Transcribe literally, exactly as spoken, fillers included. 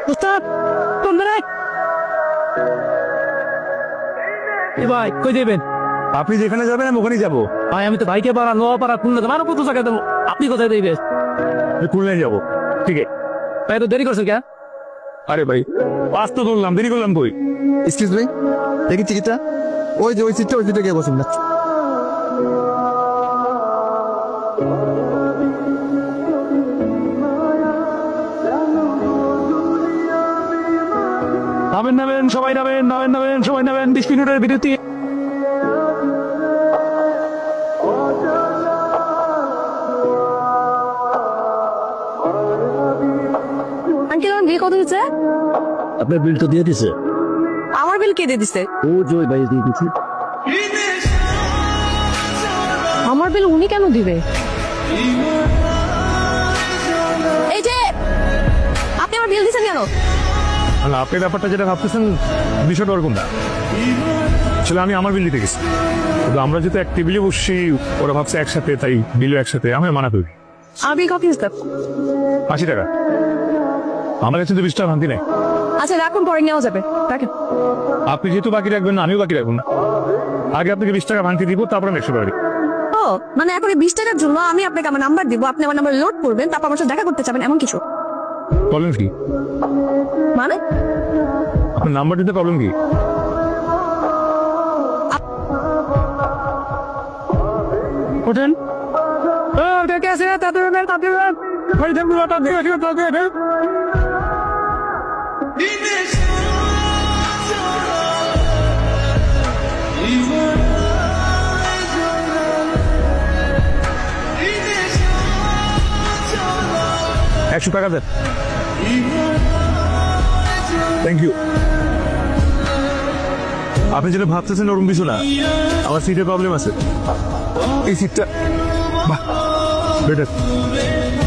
উস্তাদ কোন রে এ ভাই কই দেবেন? আপনি যেখানে যাবেন আমি ওখানেই যাবো। ভাই আমি তো ভাইকে পাড়া নোয়া পাড়া খুলনা তোমার কত জায়গায় দেবো, আপনি কোথায় দেবেন? আমি খুলনায় যাবো। ঠিক আছে ভাই তো দেরি করছো কেন? আরে ভাই পাস তো ধরলাম, দেরি করলাম কই? এক্সকিউজ মি, দেখি টিকিটটা। ওই যে ওই সিটটা, ওই সিটে গিয়ে বসুন না। নামেন নামেন সবাই নামেন, নামেন নামেন সবাই নামেন, বিশ মিনিটের বিরতি। আঙ্কেল আমার বিল কত দিচ্ছে? আপনার বিল তো দিয়ে দিছে। আমার বিল কে দিয়ে দিচ্ছে? ও জয় ভাই দিয়ে দিছে। আমার বিল উনি কেন দিবে? এই যে আপনি আমার বিল দিচ্ছেন কেন? না, আপনি ব্যাপারটা যেটা ভাবতেছেন বিষয়টা ওরকম না। আসলে আমি আমার বিল দিতে গেছি, কিন্তু আমরা যেহেতু এক টেবিলে বসছি, ওরা ভাবছে একসাথে, তাই বিলও একসাথে। আমি মানা করি। আমার বিল কত দিচ্ছে? আশি টাকা। আমার কাছে তো বিশ টাকা ভাঙতি নেই। আচ্ছা রাখুন, পরে নেওয়া যাবে। রাখেন। আপনি যেহেতু বাকি রাখবেন না, আমিও বাকি রাখবো না। আগে আপনাকে বিশ টাকা ভাঙতি দিব, তারপর আমি একশো টাকা দিব। ও মানে এখন এই বিশ টাকার জন্য আমি আপনাকে আমার নাম্বার দিব, আপনি আমার নাম্বার লোড করবেন, তারপর আমার সাথে দেখা করতে চাবেন, এমন কিছু? প্রবলেম কি? মানে আপনার নাম্বার দিতে প্রবলেম কি? ওঠেন। ও দেখে আছে তাদের তাদের ভাই থাকবে তাদের তাদের একশো টাকা দেন। Thank you. আপনি যেটা ভাবতেছেন ওরকম কিছু না, আমার সিটের প্রবলেম আছে। এই সিটটা বাহ বেটার।